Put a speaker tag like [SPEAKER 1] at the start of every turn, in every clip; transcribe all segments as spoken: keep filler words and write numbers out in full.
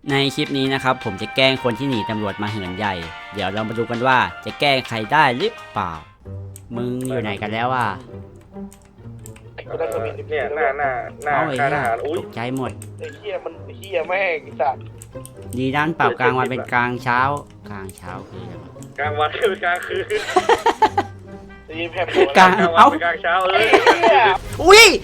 [SPEAKER 1] ในคลิปนี้นะครับผมจะแกล้งคนที่หนีตำรวจมาเหินใหญ่เดี๋ยวเรามาดูกันว่าจะแกล้งใครได้หรือเปล่ามึงอยู่ไหนกันแล้วอ่ะ
[SPEAKER 2] ก็ได้สมิธ
[SPEAKER 3] เนี่ยหน้าหน้าหน้า
[SPEAKER 1] เอาไอ้
[SPEAKER 3] ค่ายท
[SPEAKER 1] เหี้ย
[SPEAKER 3] หารอุ้ย
[SPEAKER 1] ตกใจหมด
[SPEAKER 2] ไอ้เหี้ยมันเหี้ยแม่งไอ้สัตว์
[SPEAKER 1] ดีด้านปรับกลางวันเป็นกลางเช้ากลางเช้าคืออะไรวะ
[SPEAKER 3] กลางวันคือกลางคืน
[SPEAKER 2] ได้ยินแผ่นหัว
[SPEAKER 1] กลาง
[SPEAKER 3] กลางวัน
[SPEAKER 1] เอ้า
[SPEAKER 3] เป็นกลางเช้าเล
[SPEAKER 2] ไอ้
[SPEAKER 3] ย
[SPEAKER 2] เหี้ย
[SPEAKER 1] อุ้ย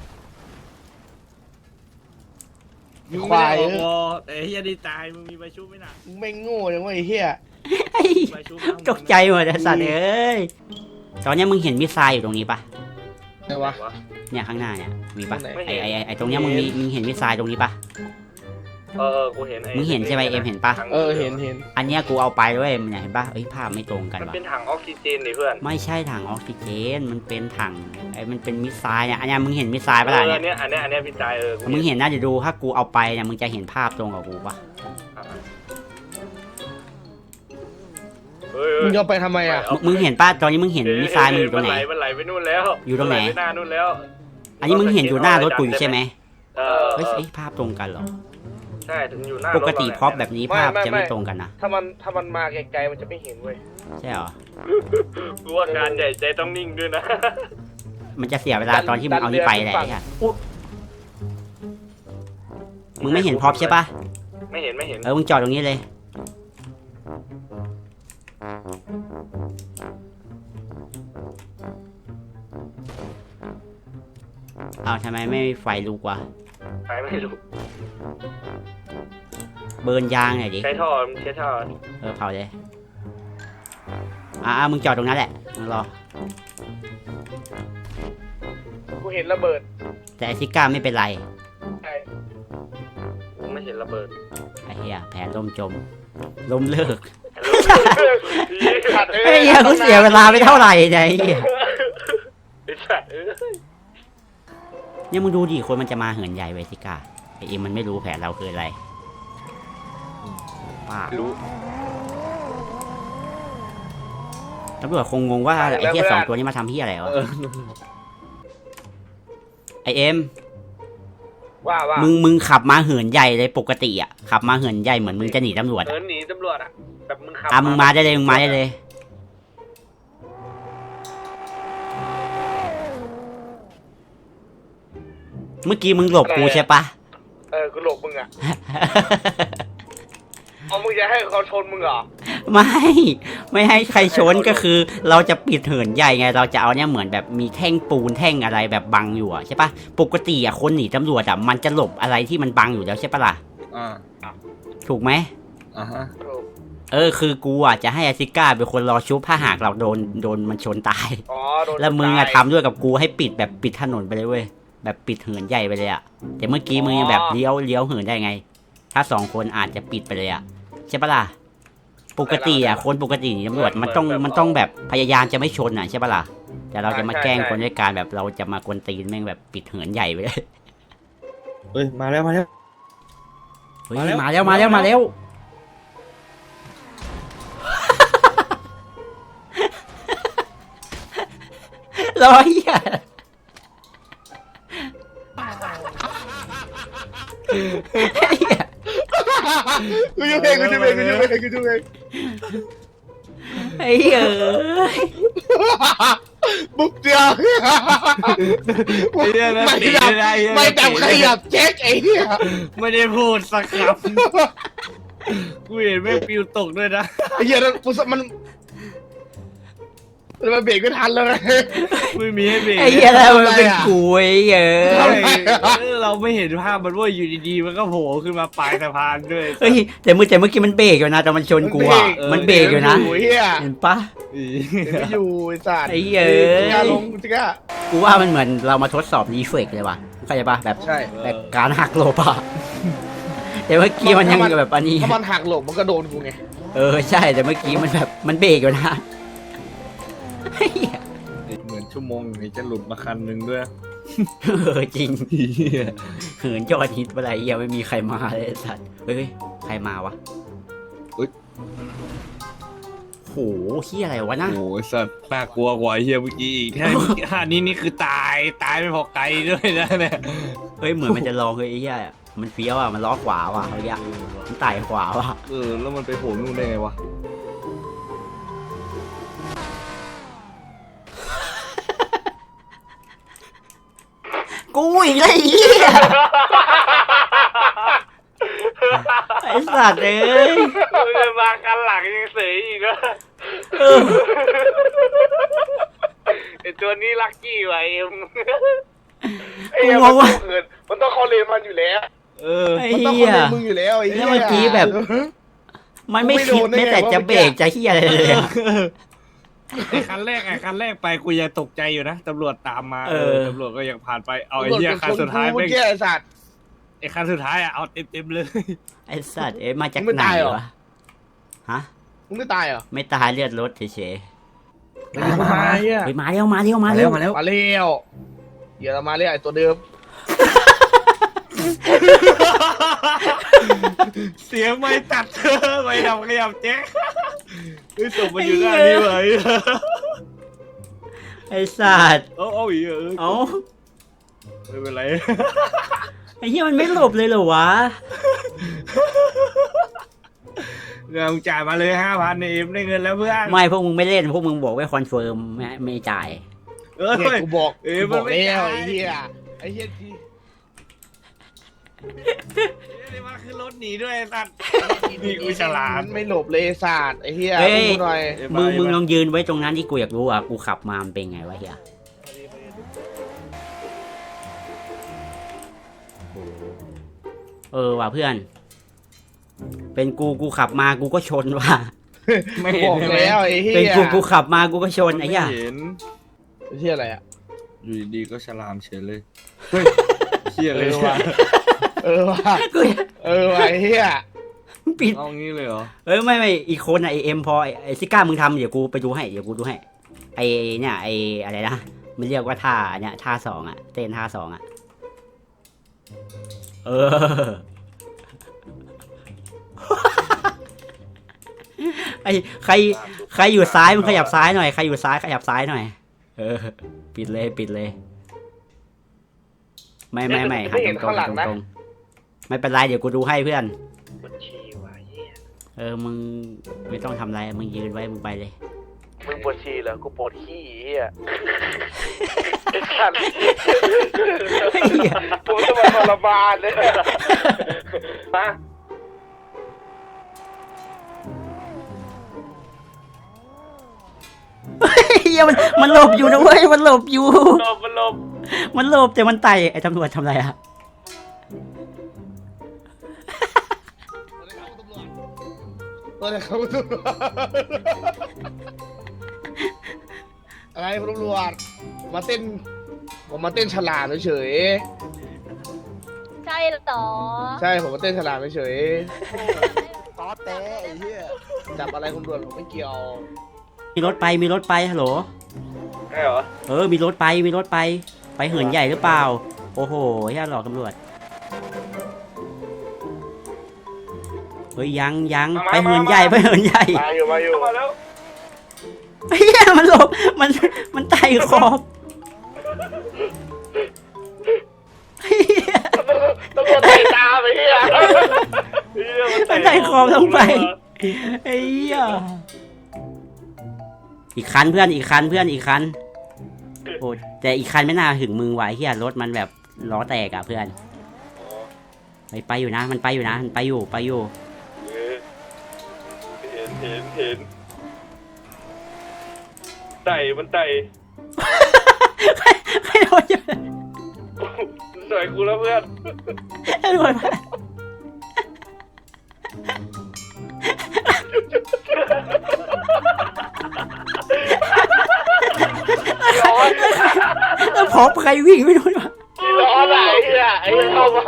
[SPEAKER 4] มึงไม่ได้ออกวอแต่ไอ้เฮียดีตายมึงมีใบชุบไหมน่ะ
[SPEAKER 2] มึงไม่งโง่จังวะไอ้เหี้ย
[SPEAKER 1] ไอ้
[SPEAKER 4] ใบชุบ
[SPEAKER 1] ตกใจหมดไอ้สัตว์เอ้ยตอนนี้มึงเห็นมิสไซล์อยู่ตรงนี้ปะ
[SPEAKER 2] ไงวะ
[SPEAKER 1] เนี่ยข้างหน้าเนี่ยมีปะ
[SPEAKER 2] ไม่
[SPEAKER 1] ไอ้
[SPEAKER 2] เห็น
[SPEAKER 1] ไอ้ไอ้ตรงเนี้ยมึงมีมึงเห็นมิสไซล์ตรงนี้ปะ
[SPEAKER 3] เออเออกูเห็นไอ้
[SPEAKER 1] มึงเห็นใช่ไหมเอ็มเห็นปะ
[SPEAKER 2] เออเห็นเห็น
[SPEAKER 1] อันเนี้ยกูเอาไปด้วยมันเนี่ยเห็นปะเอ้ยภาพไม่ตรงกัน
[SPEAKER 3] มัน
[SPEAKER 1] วะ
[SPEAKER 3] เป็นถังออกซิเจนนี่เพื่อน
[SPEAKER 1] ไม่ใช่ถังออกซิเจน มันเป็นถังไอ้มันเป็นมิสไซล์เนี่ย อันเนี้ยมึงเห็นมิสไซล์ปะ
[SPEAKER 3] เอ
[SPEAKER 1] ล่ะ
[SPEAKER 3] อ
[SPEAKER 1] เนี่ย
[SPEAKER 3] อันเนี้ยอันเนี้ยอันเนี้ยพี่จายเออกู
[SPEAKER 1] มึงเห็นนะเดี๋ยวดูถ้ากูเอาไปเนี่ยมึงจะเห็นภาพตรงกับกูปะ
[SPEAKER 3] เฮ้ย
[SPEAKER 2] มึงจะเอาไปทำไมอ่ะ
[SPEAKER 1] มึงมึงเห็นปะตอนนี้มึงเห็นมิสไซล์มึงอยู่ตรงไหน
[SPEAKER 3] มันไหลไปนู่นแล้ว
[SPEAKER 1] อยู่ตรงไหน
[SPEAKER 3] มัลปหน้านู่นแล้ว
[SPEAKER 1] อันนี้มึงเห็นอยู่หน้ารถกูอยู่ใช่ไหม
[SPEAKER 3] เออ
[SPEAKER 1] เฮ้ยเอ้ยภาพตรงกันเหรอ
[SPEAKER 3] ใช่ถึงอยู่หน้ารถ
[SPEAKER 1] ปกติพร็อพแบบนี้ภาพจะไม่ตรงกันนะ
[SPEAKER 2] ถ้ามันถ้ามันมาไกลๆมันจะไม่เห็นเว้ย
[SPEAKER 1] ใช่เหรอ
[SPEAKER 3] กูว่าการใหญ่ใจต้องนิ่งด้วยนะ
[SPEAKER 1] มันจะเสียเวลาตอนที่มึงเอานี่ไปแหละไอ้เหี้ยอุ๊ยมึงไม่เห็นพร็อพใช่ปะ
[SPEAKER 3] ไม่เห็นไม่เห็น
[SPEAKER 1] เออมึงจอดตรงนี้เลย เอาทำไมไม่ไฟลุกวะ
[SPEAKER 3] ใครไม่รู้
[SPEAKER 1] เบิร์นยางหน่อยดิ
[SPEAKER 3] ใช้ท่อมึงใช้ท่อ
[SPEAKER 1] เออเผาเลย อ่ามึงจอดตรงนั้นแหละ มึงรอ
[SPEAKER 2] กูเห็นระเบิด
[SPEAKER 1] แต่ไอซิก้าไม่เป็นไร
[SPEAKER 2] ใช่
[SPEAKER 3] กูไม่เห็นระเบิด
[SPEAKER 1] ไอเฮียแผนล่มจมล้มเลิก
[SPEAKER 2] ขัด
[SPEAKER 1] ไอเฮียกูเสียเวลาไปเท่าไหร่เนี่ยไอเฮีย
[SPEAKER 3] ไอ้สัตว์เอ้ย
[SPEAKER 1] เนี่ยมึงดูดิคนมันจะมาเหินใหญ่ไวซิก้าไอเอ็มมันไม่รู้แผนเราคืออะไรป้า
[SPEAKER 3] รู้
[SPEAKER 1] ตำรวจคงงงว่าไอเฮียสองตัวนี้มาทำเฮียอะไรวะไอเอ็ม
[SPEAKER 2] ว่าว่า
[SPEAKER 1] มึงมึงขับมาเหินใหญ่เลยปกติอ่ะขับมาเหินใหญ่เหมือนมึงจะหนีตำรวจ
[SPEAKER 3] เอ
[SPEAKER 1] อะ
[SPEAKER 3] อหนีตำรวจอ่ะแบบมึงขับ
[SPEAKER 1] อ่ะมึงมาได้เลยมึงมาได้เลย เมื่อกี้มึงหลบกูใช่ปะ
[SPEAKER 2] เออกูหลบมึงอ่ะเอามึงจะให้เขาชนมึงเหรอ
[SPEAKER 1] ไม่ ไม่ให้ใครชนก็คือ เราจะปิดเหินใหญ่ไง เราจะเอาเนี่ยเหมือนแบบมีแท่งปูนแท่งอะไรแบบบังอยู่อะใช่ปะปกติอะคนหนีตำรวจอะมันจะหลบอะไรที่มันบังอยู่แล้วใช่ปะล่ะ
[SPEAKER 4] อ่า
[SPEAKER 1] ถูกไหม
[SPEAKER 4] อ่าฮะ
[SPEAKER 1] เออคือกูอะจะให้อาซิก้าเป็นคนรอชุบถ้าหากเราโดนโดนมันชนตาย
[SPEAKER 2] อ๋อโดน
[SPEAKER 1] แล้วมึงอะ
[SPEAKER 2] ตาย
[SPEAKER 1] ทำด้วยกับกูให้ปิดแบบปิดถนนไปเลยเว้ยแบบปิดเหินใหญ่ไปเลยอะแต่เมื่อกี้มึงยังแบบเลี้ยวเลี้ยวเหินได้ไง ถ้าสองคนอาจจะปิดไปเลยอะใช่ปะล่ะปกติอะคนปกติหนีตำรวจมันต้องมันต้องแบบพยายามจะไม่ชนอะใช่ปะล่ะแต่เราจะมาแกล้งคนด้วยการแบบเราจะมากวนตีนแม่งแบบปิดเหินใหญ่ไปเลย
[SPEAKER 4] เฮ้ยมาแล้วมาแล้ว
[SPEAKER 1] เฮ้ย
[SPEAKER 4] มาแล้ว
[SPEAKER 1] มาแล้วมาแล้วมาแล้วรอยอ่ะ
[SPEAKER 2] กูจะเพลงกูจะเพลงกูจะเพลงกูจะเพลง
[SPEAKER 1] ไอ้เอ้ย
[SPEAKER 2] บุกเดียว
[SPEAKER 4] ไอ้เหี้ยนะ
[SPEAKER 2] ไม่
[SPEAKER 4] ตี
[SPEAKER 2] ดับ
[SPEAKER 4] ได้
[SPEAKER 2] ไม่ดับขยับเช็คไอ้เหี้ย
[SPEAKER 4] ไม่ได้พูดสักคำกูเห็นแม่งปิวตกด้วยนะ
[SPEAKER 2] ไอ้เหี้ยนั่นกูมันมันมาเบรกไม่ทันแล้วไง
[SPEAKER 4] ไม่มีให้เบรก
[SPEAKER 1] ไอ้เหี้ยแล้วมันเป็นกูไอ้เอ้ย
[SPEAKER 4] ใช่เออเราไม่เห็นภาพมันว่าอยู่ดีๆมันก็โผล่ขึ้นมาปลายสะพานด้วย
[SPEAKER 1] เฮ้ยแต่เมื่อแต่เมื่อกี้มันเบรกอยู่นะแต่มันชนกูอ่ะมันเบรกอยู่นะ
[SPEAKER 2] ไอ้เหี้ย
[SPEAKER 1] เห็นปะ
[SPEAKER 4] อี
[SPEAKER 2] ไม่อยู่ไอ้สัตว์
[SPEAKER 1] ไอ้เหี้ย
[SPEAKER 2] จิก้าลงจิก้า
[SPEAKER 1] กูว่ามันเหมือนเรามาทดสอบรีเฟกเลยว่ะเข้าใจปะแบบ
[SPEAKER 2] ใช่
[SPEAKER 1] แบบการหักหลบอะแต่เมื่อกี้มันยังแบบอันนี้
[SPEAKER 2] ถ้ามันหักหลบมันก็โดนกูไง
[SPEAKER 1] เออใช่แต่เมื่อกี้มันแบบมันเบรกอยู่นะเฮ้ย
[SPEAKER 4] เหมือนชั่วโมงนี้จะหลุดมาคันหนึ่งด้วย
[SPEAKER 1] เออจริงเหินยอดฮิตอะไรยังไม่มีใครมาเลยไอ้สัตว์เฮ้ยใครมาวะ
[SPEAKER 4] อุ๊ย
[SPEAKER 1] โหเฮียอะไรวะนะ
[SPEAKER 4] โอ้ยสัตว์น่ากลัวกว่าไอ้เฮียเมื่อกี้อีกแค่ท่านี้นี่คือตายตายไม่พอไกลด้วยนะเนี่ย
[SPEAKER 1] เฮ้ยเหมือนมันจะลองเลยไอ้เฮียมันเฟี้ยวอ่ะมันล้อขวาว่ะเขาเรียกมันไต่ขวาว่ะ
[SPEAKER 4] เออแล้วมันไปโผล่นู่นได้ไงวะ
[SPEAKER 1] กูอีกแล้วไอ้เหี้ยไอ้สัตว์เอ้ย
[SPEAKER 3] มึงมาคันหลังยังเสยอีกนะ
[SPEAKER 1] เออ
[SPEAKER 3] ไอตัวนี้ลักกี้ว่ะเอ็ม
[SPEAKER 2] ไอ้เหี้ยมันต้องเหินมันต้องเข้าเลนมันอยู่แล้ว
[SPEAKER 4] เออ
[SPEAKER 1] ไอ้
[SPEAKER 2] มันต้อง
[SPEAKER 1] เหี้
[SPEAKER 2] เข้าย เลนมึงอยู่แล้วไอ้เหี้ย
[SPEAKER 1] แล้วเมื่อกี้แบบ มันไม่คิดไม่แต่จะเบรกจะเหี้ยอะไรเลยอะ
[SPEAKER 4] ไอ้คันแรกไอ้คันแรกไปกูยังตกใจอยู่นะตำรวจตามมา
[SPEAKER 1] เออ
[SPEAKER 4] ตำรวจก็ยังผ่านไปเอา
[SPEAKER 2] ตำ
[SPEAKER 4] ไอ้
[SPEAKER 2] รวจ
[SPEAKER 4] เหี้ย
[SPEAKER 2] เป็น
[SPEAKER 4] คัน
[SPEAKER 2] คน
[SPEAKER 4] สุดท้าย
[SPEAKER 2] กู
[SPEAKER 4] แม่
[SPEAKER 2] เมื่อง กี้ไอ้สัตว์
[SPEAKER 4] ไอ้คันสุดท้ายอ่ะเอาเต็มเต็มๆเลย
[SPEAKER 1] ไอ้สัตว์เอ้ยมาจาก
[SPEAKER 2] มึงไม่
[SPEAKER 1] ไหน
[SPEAKER 2] ตายเหรอ
[SPEAKER 1] วะฮะ
[SPEAKER 2] มึงไม่ตายเหรอ
[SPEAKER 1] ไม่ตายเลือดรถเฉย
[SPEAKER 4] มาอ่ะ
[SPEAKER 1] ๆเฮ้ยมาเร็วมาเร็วมาเร็ว
[SPEAKER 2] มาเร็วเดี๋ยวเรามาเรียกไอ้ตัวเดิม
[SPEAKER 4] เสียงไม่ตัดไม่ดำขยับแจ๊คเฮ้ยส่งมาอยู่หน้านี่ไว้
[SPEAKER 1] ไอ้สัตว์
[SPEAKER 4] เอาเอาอีกเออ
[SPEAKER 1] เอ้า
[SPEAKER 4] ไม่เป็นไร
[SPEAKER 1] ไอ้เหี้ยมันไม่หลบเลยเหรอวะ
[SPEAKER 4] เงินจ่ายมาเลยห้าพันเอ็มได้เงินแล้วเพื่อน
[SPEAKER 1] ไม่พวกมึงไม่เล่นพวกมึงบอกไม่คอนเฟิร์มไม่ไม่จ่าย
[SPEAKER 4] เออ
[SPEAKER 2] เนี่ยกูบอก
[SPEAKER 4] เอ้ย
[SPEAKER 2] กู
[SPEAKER 4] มั
[SPEAKER 2] บ
[SPEAKER 4] น
[SPEAKER 2] อก
[SPEAKER 4] ไม่
[SPEAKER 2] แล้ว
[SPEAKER 4] จ่าย
[SPEAKER 2] ไอ้เหี้ยไอ้เหี้ยที่
[SPEAKER 4] นี่มาขึ้นรถหนีด้วยไอ้สัตว์นี่กูฉลาด
[SPEAKER 2] มันไม่หลบเลยไอ้สัตว์ไอ้เหี้ย
[SPEAKER 1] เฮ้ย
[SPEAKER 2] ดูหน่อย
[SPEAKER 1] มึงมึงลองยืนไว้ตรงนั้นที่กูอยากรู้อ่ะกูขับมามันเป็นไงวะเฮียเออว่ะเพื่อน เป็นกูกูขับมากูก็ชนว่ะ
[SPEAKER 4] ไม่
[SPEAKER 2] บ
[SPEAKER 4] เห็น
[SPEAKER 2] อก
[SPEAKER 4] ใช่ไหม
[SPEAKER 2] แล้วไอ้เหี้ย
[SPEAKER 1] เป็นกูกูขับมากูก็ชนไอ้เหี้ย
[SPEAKER 4] ม่เห็น
[SPEAKER 2] ไอ้เหี้ยอะไรอ่ะ
[SPEAKER 4] อยู่ดีๆก็ฉลามเฉยเลยเฮ้ยเชี่ย
[SPEAKER 2] เอ
[SPEAKER 4] เลย
[SPEAKER 2] อว่ะเออว่ะ
[SPEAKER 1] กู
[SPEAKER 2] เออว่ะไอ้เหี้ย
[SPEAKER 1] ปิด
[SPEAKER 4] เอางี้เลยเหรอ
[SPEAKER 1] เอ้ยไม่ไม่อีกคนอ่ะไอเอ็มพอไอ้ไอซิก้ามึงทำเดี๋ยวกูไปดูให้เดี๋ยวกูดูให้ไอเนี่ยไออะไรนะมันเรียกว่าท่าเนี่ยท่าสองอ่ะเต้นท่าสองอ่ะเออ ไอใครใครอยู่ซ้ายมึงขยับซ้ายหน่อยใครอยู่ซ้ายขยับซ้ายหน่อยเออปิดเลยปิดเลย ไม่ไม่ไม่หันตรงๆหันตรงๆไม่เป็นไรเดี๋ยวกูดูให้เพื่อน
[SPEAKER 3] ปวดฉี่ว่ะเหี้ย
[SPEAKER 1] เออมึงไม่ต้องทำอะไรมึงยืนไว้มึงไปเลย
[SPEAKER 3] มึงปวดฉี่เหรอกูปวดขี้เหี้ยไอ้สัตว์กูจะมาทรมานเลยมา
[SPEAKER 1] เฮียมันมันหลบอยู่นะเว้ยมันหลบอยู่
[SPEAKER 3] หลบมันหลบ
[SPEAKER 1] มันหลบแต่มันไต่ไอ้ตำรวจทำอะไรอะ
[SPEAKER 2] ตัวไหนเขาตำรวจอะไรคุณตำรวจมาเต้นผมมาเต้นฉลาดเฉย
[SPEAKER 5] ใช่เหรอ
[SPEAKER 2] ๆใช่ผมมาเต้นฉลาดเฉย
[SPEAKER 5] ตอเต้ไอ้เหี้ย
[SPEAKER 2] ๆจับอะไรคุณตำรวจผมไม่เกี่ยว
[SPEAKER 1] มีรถไปมีรถไปฮัลโหล
[SPEAKER 3] ใช่เหรอ
[SPEAKER 1] เออมีรถไปมีรถไปไปเหินใหญ่หรือเปล่าโอ้โหเฮียหลอกตำรวจเฮ้ยยังยังไปเหินใหญ่ไปเหินใหญ่
[SPEAKER 2] มาอยู่มาอยู่
[SPEAKER 3] มาแล้ว
[SPEAKER 1] เฮียมันหลบมันมันไต่ขอบเหี้ย
[SPEAKER 2] ตำรวจไต่ตามไปเฮีย
[SPEAKER 1] มันไต่ขอบลงไปไอ้เหี้ยอีกคันเพื่อนอีกคันเพื่อนอีกคันโอ้แต่อีกคันไม่น่าถึงมึงไหวเฮียรถมันแบบล้อแตกอะเพื่อนไปไปอยู่นะมันไปอยู่นะมันไปอยู่ไปอยู่
[SPEAKER 3] เห็นเห็นเห็นไต่มันไต่
[SPEAKER 1] ใครโดนอยู่
[SPEAKER 3] สวยกูแล้วเพื่อน
[SPEAKER 1] ใครโดนมา
[SPEAKER 2] ร้อน
[SPEAKER 1] แล้วพอใครวิ่งไม่โดนมา
[SPEAKER 2] ร้อนอะไอ้เฮียไอ้เหี้ยเข้ามา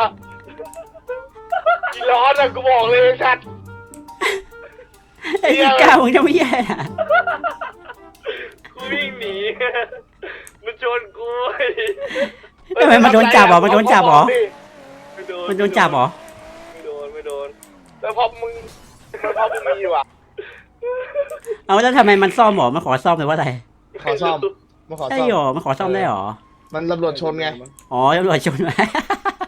[SPEAKER 2] ร้อนอะกูบอกเลยชัด
[SPEAKER 1] ไอ้ที่ก้าวมึงจะไม่แย่อะ
[SPEAKER 3] กูวิ่งหนีมันชนกู
[SPEAKER 1] ทำไมมันโดนจับเหรอมันโดนจับเหรอ
[SPEAKER 3] ไม่โดน
[SPEAKER 1] มันโดนจับเหรอ
[SPEAKER 3] ไม่โดนไม่โดน
[SPEAKER 2] แล้วพอมึงแล้วพอมึงมีอยู่อ่ะ
[SPEAKER 1] เอาแล้วทำไมมันซ่อมหรอมันขอซ่อมเลยว่าอะไร
[SPEAKER 2] ขอซ่อมมาขอ
[SPEAKER 1] ใช่
[SPEAKER 2] ซ่อม
[SPEAKER 1] หรอมันขอซ่อมได้หรอ
[SPEAKER 2] มันตำรวจชนไง
[SPEAKER 1] อ๋อตำรวจชนมา